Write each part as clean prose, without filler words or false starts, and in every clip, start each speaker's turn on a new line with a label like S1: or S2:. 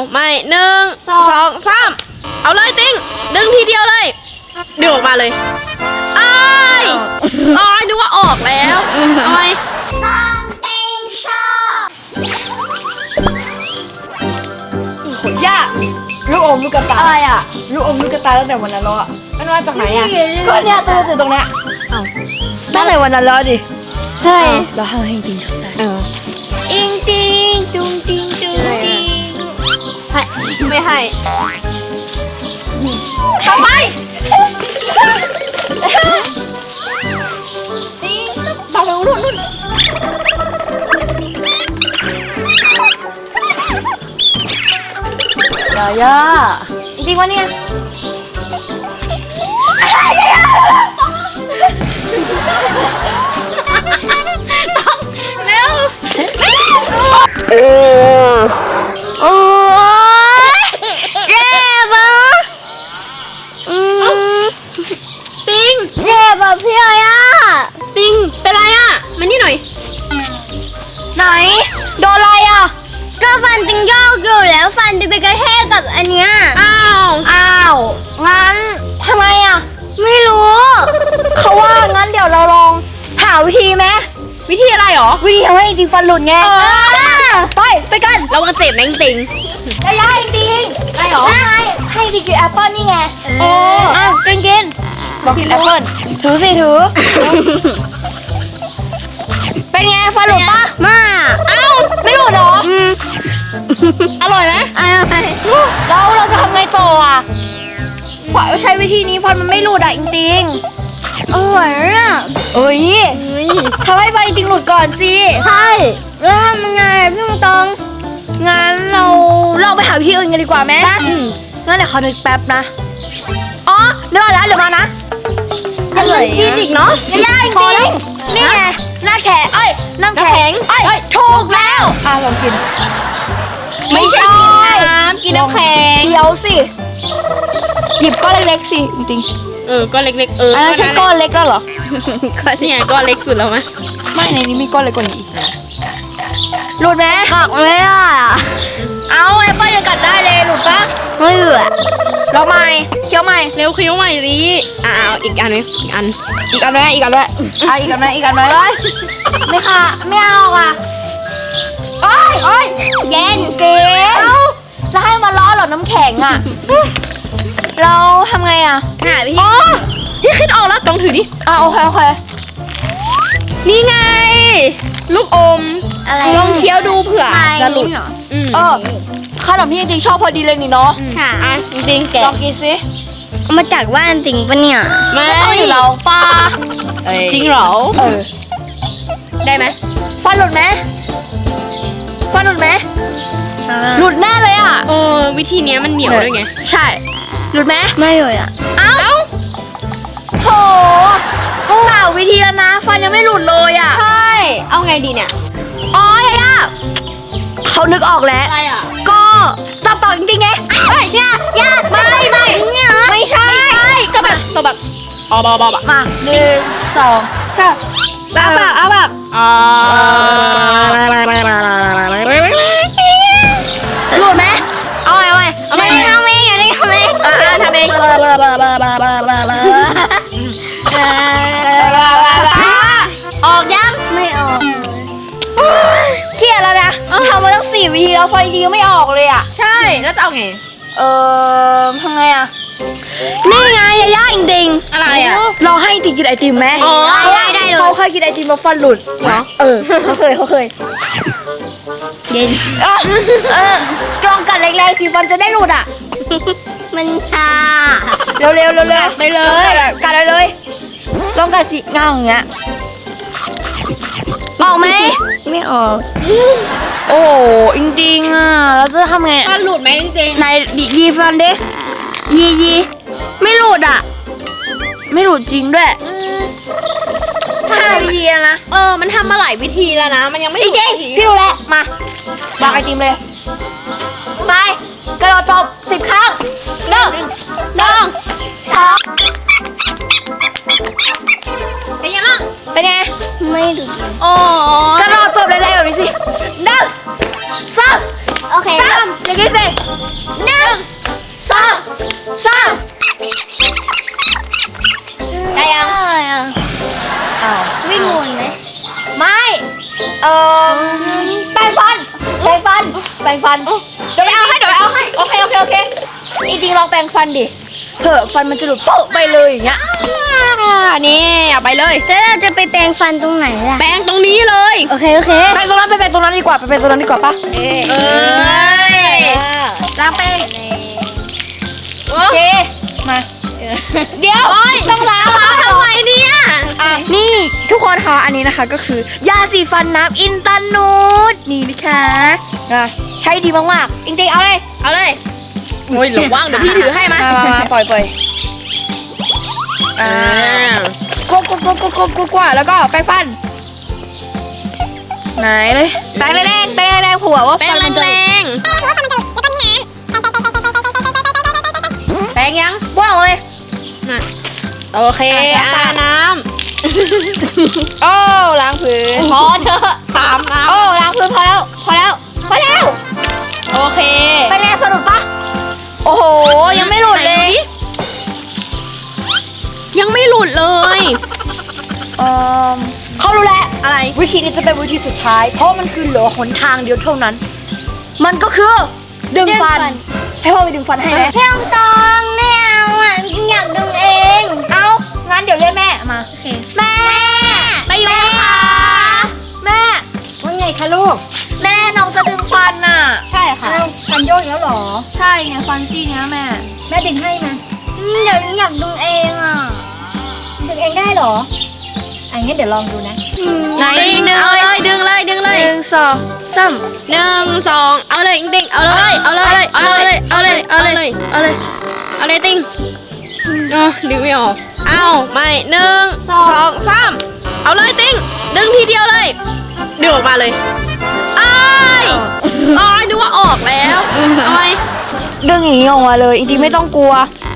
S1: ไม่1 2 3เอาเลยติ้งดึงทีเดียวเลยดึงออกมาเลยอ้ายนึกว่าออกแล้วทำไม
S2: ขนยากลูกอมลูกกระตาอะไรอ่ะลูกอมลูกกระตาตั้งแต่วันนั้นแล้วอ่ะมันมาจากไหนอ่ะก็เนี่ยตัวตรงเนี้ยตั้งแต่วันนั้นแล้วดิเฮ้ยเราให้จริงๆได้
S1: อิงติงจุงติงจุงติงให้ไม่ให้ทำไมตาลงนู่น
S2: ย่าจริงๆวะเนี่ย
S1: เร็ว
S2: โอ้ยเจ็บอ่ะ
S1: ติง
S2: เจ็บอ่ะพี่ย่า
S1: ติงเป็นไรอ่ะมานี่หน่อย
S2: ไหนโดนอะไรอ่ะ
S3: ก็ฟันติงโยกอยู่แล้วฟันติงไปกระแทกกับอันเนี้ย
S2: อ้าวงั้นทำไมอ่ะ
S3: ไม่รู้
S2: เขาว่างั้นเดี๋ยวเราลองหาวิธีไหม
S1: วิธีอะไรหรอ
S2: วิธีทำให้จริงฟันหลุดไงไปกัน
S1: เราก็เจ็บนะติง
S2: ย่าจริงได้หรอให้จริงกินแอปเปิ้ลนี่ไงกินบอกกินแอปเปิ้ลถือเป็นไงฟันหลุดปะ
S3: มา
S2: ไม่หลุดหรอ
S1: อร่อยไหม
S2: แล้วเราจะทำไงต่ออ่ะใช้วิธีนี้ฟันมันไม่หลุดอ่ะจริง
S3: อร่อยอ่ะ
S2: ทำให้ฟันจริงหลุดก่อนสิ
S3: ใช่แล้วทำยังไงพี่ตอง
S2: งั้นเราลองไปหาวิธีอื่นกันดีกว่าไหมงั้นเดี๋ยวขอนึกแป๊บนะเดี๋ยวแล้วเดี๋ยวมานะ
S1: กินอีกเนาะ
S2: ย่าจริงนี่ไงหน้าแข็งน้ำแข็งถูกแล้วลองกิน
S1: ไม่ใช่กินน้ำแข็ง
S2: เดี๋ยวสิหยิบก้อนเล็กๆสิจริง
S1: ก้อนเล็กๆ
S2: อันนั้นใช่ก้อนเล็กแล้วเหรอ
S1: ก็เนี่ยก้อนเล็กสุดแล้วไหม
S2: ไม่ในนี้มีก้อนเล็กกว่านี้อีกหลุดไหม
S3: หักเลยอ่ะ
S2: เอาแอปเปิ้ลยังกัดได้เลยหลุดปะ
S3: ไม่หลุด
S2: ลองใหม่เคี้ยวใหม่
S1: เร็วเคี้ยวใหม่สิเอาอีกอันไหมอีกอัน
S2: ไหมอีกอันไหมไม่ค่ะไม่เอาอ่ะโอ้ย
S3: เย็น
S2: เก๋จะให้มาล้อหรอน้ำแข็งอ่ะเราทำไงอ่ะ
S3: หาวิธี
S1: พี่คิดออกแล้วต้องถือดิ
S2: โอเค
S1: นี่ไงลูกอม
S3: อะไร
S1: ลองเคี้ยวดูเผื่อจะหลุด
S2: ขนมที่จริงๆชอบพอดีเลยนี่เนาะ
S3: ค่ะ
S1: จริงๆแก
S2: ลองกินสิ
S3: มาจากบ้านจริงปะเนี่ย
S1: ไม่
S2: อยู่เราป้า
S1: จริงเหรอได้ไหม
S2: ฟันหลุดไหมหลุดแน่เลยอ่ะ
S1: วิธีนี้มันเหนียวด้วยไง
S2: ใช่หลุดไหม
S3: ไม่เลยอ่ะ
S2: โหสาววิธีแล้วนะฟันยังไม่หลุดเลยอ่ะ
S1: ใช่เอาไงดีเนี่ย
S2: ย่าเขานึกออกแล้ว
S1: อะไรอ่ะ
S2: ก็จับต่อจริงๆไง
S3: ย่า
S2: ไม่ใช่
S1: ก็แบบตัวแบบ
S2: มา1 2 3เอาแบบหลุดไหมเอาไง
S3: ทำเอง
S2: ทำเองออกยัง
S3: ไม่ออก
S2: เครียดแล้วนะทำมาตั้ง4 วิธีแล้วไฟดีไม่ออกเลยอ่ะ
S1: ใช่แล้วจะเอาไง
S2: ทำไงอ่ะนี่ไงย่าจริง
S1: ๆอะไรอ่ะ
S2: เราให้ติกินไอติมไหม
S3: ได้เลย
S2: เขาเคยกินไอติมมาฟันหลุดเหรอเขาเคย
S3: เย็น
S2: ลองกัดแรงๆสิฟันจะได้หลุดอ่ะ
S3: มันชา
S2: เร็ว
S1: ไปเลย
S2: กัดเลยลองกัดสิง่างอย่างเงี้ยออกไหม
S3: ไม่ออก
S2: โอ้จริงๆอ่ะเราจะทำไง
S1: ฟันหลุดไหมจริง
S2: ๆไหนยีฟันดิยีไม่หลุดอ่ะไม่หลุดจริงด้วย5 วิธีนะ
S1: มันทำมาหลายวิธีแล้วนะมันยังไม่
S2: จริงพี่รู้แล้วมาวางไอติมเลยไปกระโดดตบ10 ครั้ง1 2
S1: เป็นยังไง
S2: เป็นไง
S3: ไม่ดู
S2: กระโดดตบแรงๆแบบนี้สิ1 2
S3: โอเค
S2: 3 อย่างนี้สิ1 2 3ได้ยัง อ้าว
S3: วิ่งวนไหม
S2: ไม่แปรงฟันเดี๋ยวไปเอาให้โอเคจริงๆลองแปรงฟันดิเผื่อฟันมันจะหลุดโป๊ะไปเลยอย่างเงี้ย
S1: นี่เอาไปเลย
S3: แล้วเราจะไปแปรงฟันตรงไหนล่ะ
S1: แปรงตรงนี้เลย
S3: โอเค
S2: แปรงตรงนั้นไปแปรงตรงนั้นดีกว่าปะ
S1: เอ้ย
S2: ล้างแปรง
S1: โอ
S2: โอเคมาเดี๋ยวต้องล้าง
S1: ทำไมเนี่ย
S2: นี่ทุกคนคะอันนี้นะคะก็คือยาสีฟันน้ำอินตานูดนี่นะคะใช้ดีมากๆจริงๆเอาเลย
S1: เอาเลยโอ้ยระวังเดี๋ยวพี่ถือให้มา
S2: ปล่อย
S1: อ่
S2: อ่า
S1: า
S2: กว่าแล้วก็แปรงฟันไหนเลยแปรงแรงผัวว่า
S1: แปรง
S2: ฟันมันจะ
S1: แรงๆแปรงยัง
S2: ว่างเลย
S1: น่ะโอเคน้
S2: โอ้ล้างพื้น
S1: ำพอเถอะตามน้
S2: โอ้ล้างพื้นพอแล้ว
S1: ำโอเค
S2: เป็นไงสนุกปะโอ้โหยังไม่หลุดเลย
S1: ไหนยังไม่หลุดเลย
S2: เขารู้แล้ว
S1: อะไร
S2: วิธีนี้จะเป็นวิธีสุดท้าย เพราะมันคือเหลือหนทางเดียวเท่านั้น มันก็คือดึงฟัน ให้พ่อไปดึงฟันให้ไหม
S3: ๆเพียงตองไม่เอาอ่ะอยากดึงเอง
S2: เอางั้นเดี๋ยวเรียกแม่มา
S3: โอเค
S2: แม่
S1: ไปอยู่ค่ะ
S2: แม่ว่าไงคะลูก แม่น้องจะดึงฟันน่ะ
S3: ใช่ค่ะ
S2: ฟันโยกแล้วหรอ ใช่ไงฟันซี่เนี้ยแม่ดึงให้มา
S3: เดี๋ยวอยากดึงเองอ่ะ
S2: ดึงเองได้หรออันนี้เดี๋ยวลองดูนะ
S1: ไหนดึงเลยดึงเลย
S2: 1 2 3
S1: 1 2เอาเลยติ๊งเอาเลยติ๊งดึงไม่ออกเอาไม่1 2 3เอาเลยติ๊งดึงทีเดียวเลยดึงออกมาเลยอ้ายนึกว่าออกแล้วทำไม
S2: ดึงอย่างนี้ออกมาเลยจริงๆไม่ต้องกลัว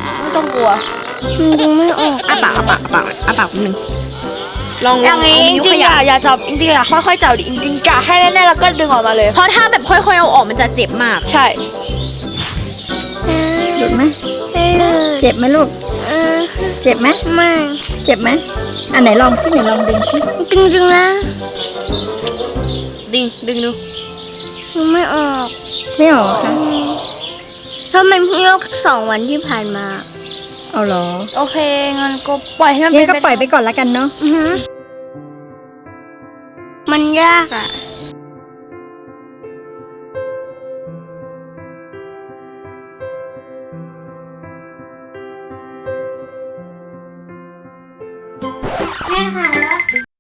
S3: ดึงไม่ออก
S1: อ้าปากนิดนึงลอง
S2: อย่างนี้จ
S1: นิ้ว
S2: ริ
S1: ข
S2: งๆ
S1: ยับ
S2: อย่าจับจริงๆอย่าค่อยๆจับดิจริงๆกะให้แน่ๆแล้วก็ดึงออกมาเลย
S1: เพราะถ้าแบบค่อยๆเอาออกมันจะเจ็บมาก
S2: ใช่
S4: หลุดไหมเจ็บไหมลูก เจ็บไหม
S3: ไม่
S4: เจ็บไหมอันไหนลองสิไหนลองดึงสิ
S3: ดึงนะ
S1: ดึงดู
S3: ดึงไม่ออก
S4: ไม่ออกค่ะ
S3: ถ้ามันเพิ่งยก2 วันที่ผ่านมา
S4: เอาเหรอ
S2: โอเคงั้นก็ปล่อยให้มัน
S4: งั้
S2: เป็น
S4: ก็ปล่อยไปก่อนละกันเนาะ
S3: มันยากอ่ะ แม่ค่ะ